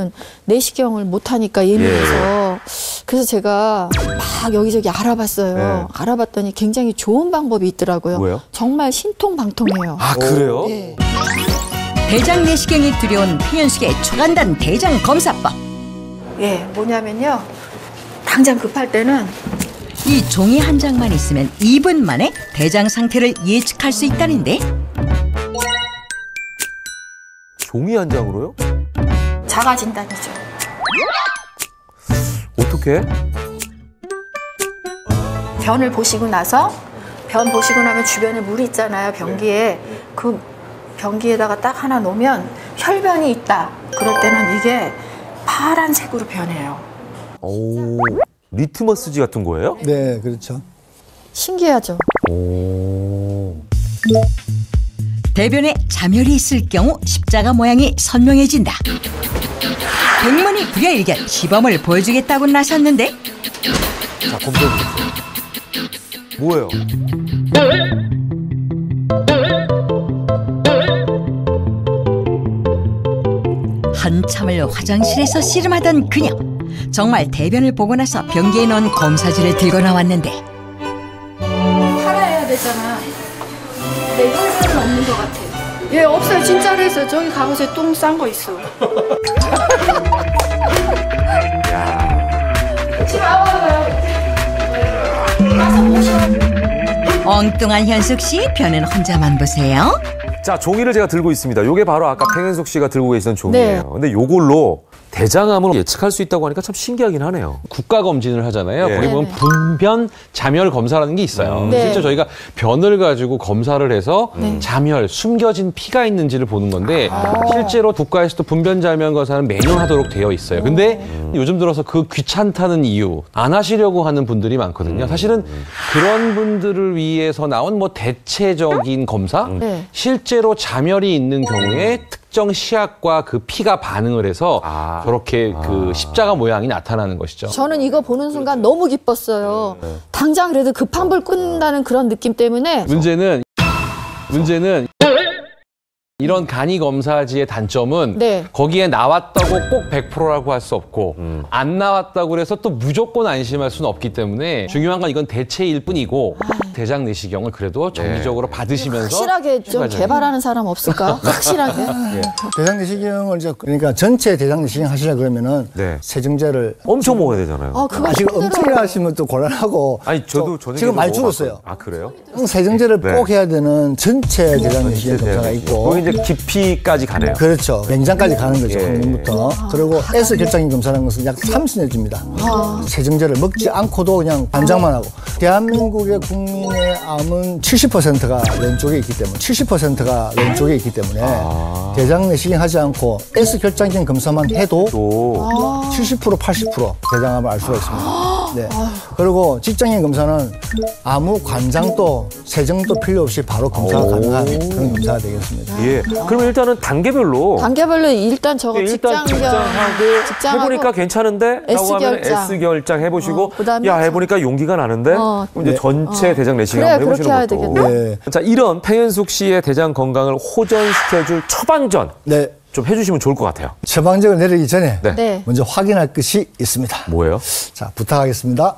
저는 내시경을 못 하니까 예민해서 그래서 제가 막 여기저기 알아봤어요. 알아봤더니 굉장히 좋은 방법이 있더라고요. 뭐예요? 정말 신통방통해요. 아, 그래요? 네. 대장 내시경이 두려운 표현숙의 초간단 대장 검사법. 예, 뭐냐면요. 당장 급할 때는 이 종이 한 장만 있으면 2분 만에 대장 상태를 예측할 수 있다는데 종이 한 장으로요? 자가 진단이죠. 어떻게? 변을 보시고 나서 변 보시고 나면 주변에 물이 있잖아요. 변기에. 그 변기에다가 딱 하나 놓으면 혈변이 있다. 그럴 때는 이게 파란색으로 변해요. 오, 리트머스지 같은 거예요? 네, 그렇죠. 신기하죠? 오. 대변에 자멸이 있을 경우 십자가 모양이 선명해진다. 백문이 불여일견 시범을 보여주겠다고 나섰는데 자, 검사해보세요. 뭐예요? 한참을 화장실에서 씨름하던 그녀. 정말 대변을 보고 나서 변기에 넣은 검사지를 들고 나왔는데 팔아야 되잖아. 내 혈변은 없는 것 같아. 예, 없어요. 진짜로 했어요. 저기 가보세요. 똥 싼 거 있어. 지금 와봐요. 엉뚱한 현숙 씨 변은 혼자만 보세요. 자, 종이를 제가 들고 있습니다. 요게 바로 아까 팽현숙 씨가 들고 계시던 종이에요. 네. 근데 요걸로 대장암을 예측할 수 있다고 하니까 참 신기하긴 하네요. 국가 검진을 하잖아요. 예. 거기 보면 네네. 분변 자멸 검사라는 게 있어요. 네. 실제 저희가 변을 가지고 검사를 해서 네. 자멸, 숨겨진 피가 있는지를 보는 건데 실제로 국가에서도 분변 자멸 검사는 매년 하도록 되어 있어요. 근데 요즘 들어서 그 귀찮다는 이유 안 하시려고 하는 분들이 많거든요. 사실은 그런 분들을 위해서 나온 뭐 대체적인 검사, 네. 실제로 자멸이 있는 경우에 특정 시약과 그 피가 반응을 해서 저렇게 그 십자가 모양이 나타나는 것이죠. 저는 이거 보는 순간 너무 기뻤어요. 당장 그래도 급한 불 끈다는 그런 느낌 때문에 문제는 이런 간이 검사지의 단점은 네. 거기에 나왔다고 꼭 100%라고 할 수 없고 안 나왔다고 해서 또 무조건 안심할 수는 없기 때문에 중요한 건 이건 대체일 뿐이고 대장 내시경을 그래도 정기적으로 받으시면서 확실하게 좀 추가적인. 개발하는 사람 없을까? 확실하게. 대장 내시경을 이제 그러니까 전체 대장 내시경 하시려 그러면은 네. 세정제를 엄청 먹어야 되잖아요. 아, 그거 지금 엄청 힘들어요. 하시면 또 곤란하고. 아니, 저도 저녁에 지금 많이 줄었어요. 아, 그래요? 세정제를 네. 꼭 해야 되는 전체 대장 내시경 검사가 있고. 거기 이제 깊이까지 가네요. 그렇죠. 맹장까지 가는 거죠. 예. 항문부터. 그리고 S 결장인 검사라는 것은 약 30년 줍니다. 세정제를 먹지 않고도 그냥 관장만 하고. 대한민국의 국민의 암은 70%가 왼쪽에 있기 때문에 70%가 왼쪽에 있기 때문에 대장 내시경 하지 않고 S 결장인 검사만 해도 또 70% 80% 대장암을 알 수가 있습니다. 네. 그리고 직장인 검사는 아무 관장도 세정도 필요 없이 바로 검사가 가능한 그런 검사가 되겠습니다. 예. 그러면 일단은 단계별로 단계별로 일단 저거 일단 직장하고 해보니까 괜찮은데? 라고 하면 S결장. S결장 해보시고 그다음에 야, 해보니까 용기가 나는데? 그럼 이제 네. 전체 대장 내시경 그래, 한번 그렇게 해야 해보시는 것도. 되겠네. 네. 자, 이런 팽현숙 씨의 대장 건강을 호전시켜줄 처방전 네. 좀 해주시면 좋을 것 같아요. 처방전을 내리기 전에 네. 네. 먼저 확인할 것이 있습니다. 뭐예요? 자, 부탁하겠습니다.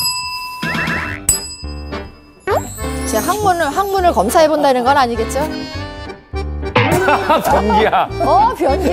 제가 항문을 검사해 본다는 건 아니겠죠? 변기야. 변기.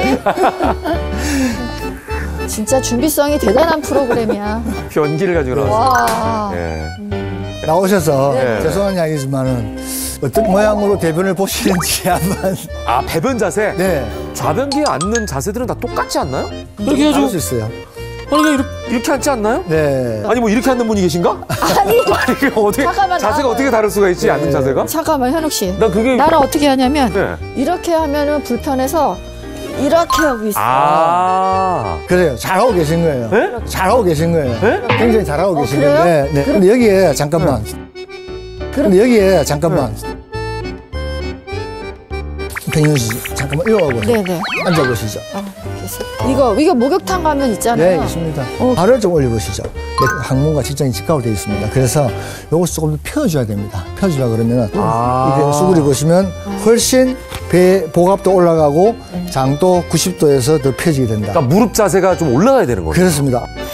진짜 준비성이 대단한 프로그램이야. 변기를 가지고 나왔어요. 와. 예. 나오셔서 네. 죄송한 이야기지만은 어떤 모양으로 대변을 보시는지 한번. 아, 배변 자세? 네. 좌변기에 앉는 자세들은 다 똑같지 않나요? 이렇게 해가지고 수 있어요. 아니, 그냥 이렇게 앉지 않나요? 네. 아니, 뭐 이렇게 앉는 분이 계신가? 아니. 아니, 그 어떻게, 잠깐만, 자세가 나와봐요. 어떻게 다를 수가 있지, 앉는 자세가? 잠깐만, 현욱 씨. 난 그게. 나는 어떻게 하냐면 네. 이렇게 하면은 불편해서 이렇게 하고 있어. 아. 그래요. 잘하고 계신 거예요. 네? 잘하고 계신 거예요. 네? 굉장히 잘하고 계신 그래요? 거예요. 네. 네. 근데 여기에 잠깐만. 근데 여기에 잠깐만. 팽현숙 씨, 잠깐만 일어나고 네네. 앉아보시죠. 이거 목욕탕 가면 있잖아요. 네, 있습니다. 발을 좀 올려보시죠. 항문과 직장이 직각으로 되어 있습니다. 그래서 요것을 조금 더 펴줘야 됩니다. 펴주라 그러면 이렇게 수그리 보시면 훨씬 배 복압도 올라가고 장도 90도에서 더 펴지게 된다. 그러니까 무릎 자세가 좀 올라가야 되는 거예요. 그렇습니다.